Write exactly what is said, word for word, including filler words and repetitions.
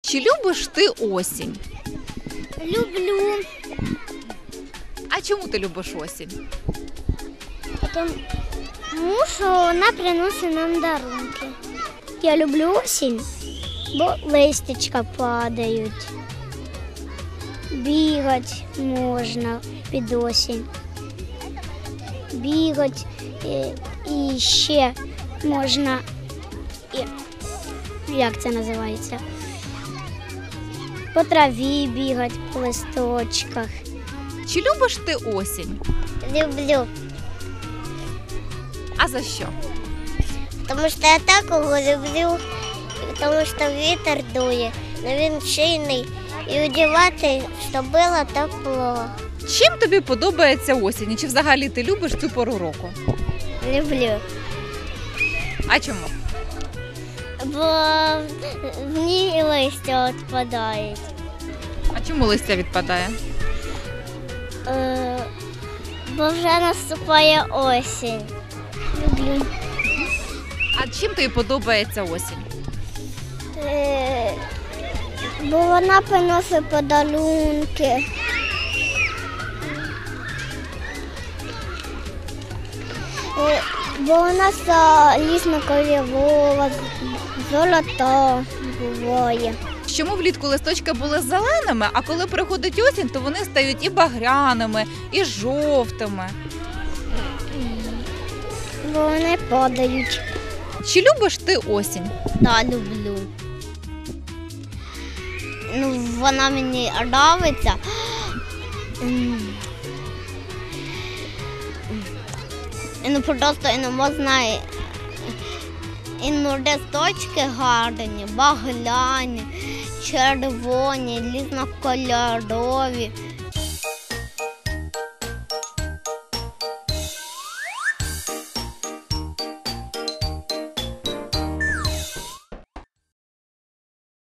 Чи любиш ти осінь? Люблю, А чому ти любиш осінь? тому що вона приносить нам дарунки. Я люблю осінь, бо листячка падають. Бігати можна під осінь. Бігати і, і ще можна, і, як це називається? По траві бігати, по листочках. Чи любиш ти осінь? Люблю, А за що? тому що я такого люблю, тому що вітер дує, але він сильний і одягати, щоб було тепло. Чим тобі подобається осінь? І чи взагалі ти любиш цю пору року? Люблю, А чому? бо в ній листя відпадають. А чому листя відпадає? Е, бо вже наступає осінь. Люблю. А чим тобі подобається осінь? Е, бо вона приносить подарунки. Е, бо вона залізно-кольорова, золота буває. Чому влітку листочки були зеленими, а коли приходить осінь, то вони стають і багряними, і жовтими? Бо вони падають. Чи любиш ти осінь? Так, люблю. Ну, вона мені подобається. Ну, просто і не можна, і ну, листочки гарні, багляні, червоні, різнокольорові.